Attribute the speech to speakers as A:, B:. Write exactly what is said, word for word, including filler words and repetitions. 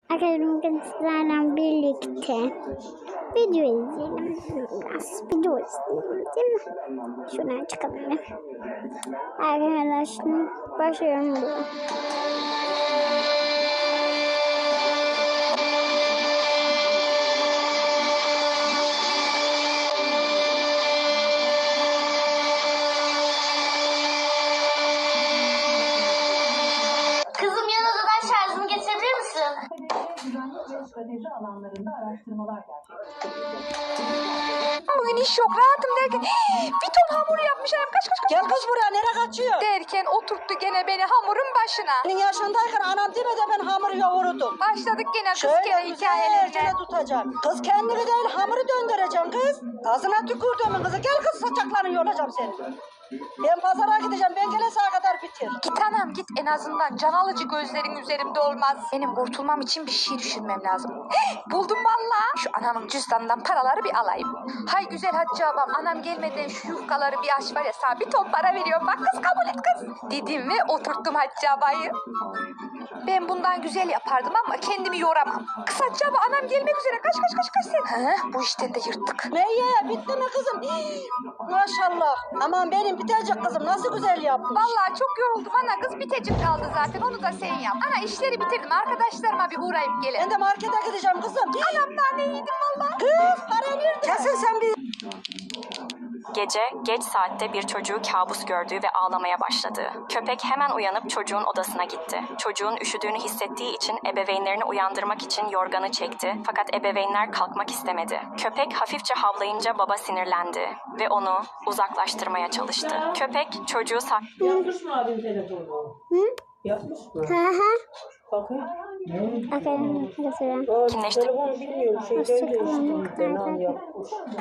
A: Arkadaşlarım kızlarla birlikte video izleyelim. Biraz video izleyelim değil mi? Şuradan çıkalım. Arkadaşlar başlıyorum burada.
B: Kızım yan odadan şarjımı getirebilir misin?
C: Güvenlik ve strateji alanlarında araştırmalar gerçekleştirilecek.
D: Bugün iş yok, rahatım derken bir ton hamur yapmış annem, kaç kaç kaç.
E: Gel kız buraya, nereye kaçıyor?
D: Derken oturttu gene beni hamurun başına.
E: Senin yaşındayken anam demedi ben hamuru yoğurdum.
D: Başladık gene kız
E: Şöyle
D: kere hikayelerine.
E: güzelce tutacağım. Kız kendini değil hamuru döndüreceğim kız. Ağzına tükürdüğümün kızı, gel kız saçaklarını yolacağım seni. Ben pazara gideceğim, ben gelene sağa kadar bitir.
D: Git anam git, en azından can alıcı gözlerin üzerimde olmaz. Benim kurtulmam için bir şey düşünmem lazım. Buldum valla. Şu anamın cüzdanından paraları bir alayım. Hay güzel Hatice abam, anam gelmeden şu yufkaları bir aç var ya, sana bir ton para veriyorum. Bak kız, kabul et kız. Dedim ve oturttum Hatice abayı. Ben bundan güzel yapardım ama kendimi yoramam. Kız Hatice abla, anam gelmek üzere. Kaç kaç kaç kaç sen. He, bu işten de yırttık.
E: Meyye bitti mi kızım? Hii, maşallah. Aman benim bitecek kızım, nasıl güzel yapmış.
D: Vallahi çok yoruldum ana, kız bitecik kaldı zaten, onu da sen yap. Ana işleri bitirdim, arkadaşlarıma bir uğrayıp
E: Ben
D: gelelim.
E: de markete gideceğim kızım.
D: Anam nane yedim valla.
E: Kız para nerede? Kesin sen bir...
F: Gece geç saatte bir çocuğu kabus gördüğü ve ağlamaya başladı. Köpek hemen uyanıp çocuğun odasına gitti. Çocuğun üşüdüğünü hissettiği için ebeveynlerini uyandırmak için yorganı çekti, fakat ebeveynler kalkmak istemedi. Köpek hafifçe havlayınca baba sinirlendi ve onu uzaklaştırmaya çalıştı. Köpek çocuğu sak...
G: Yapmış mı abin telefonu?
A: Hı?
G: Yapmış mı?
A: Hı hı.
G: Bakın.
A: Arkadaşlar kızlarım.
G: Aa,
F: Kimleşti?
G: telefonu bilmiyorum. Şeyden de işte.
A: Hoşçakalın.
G: internet yapmış.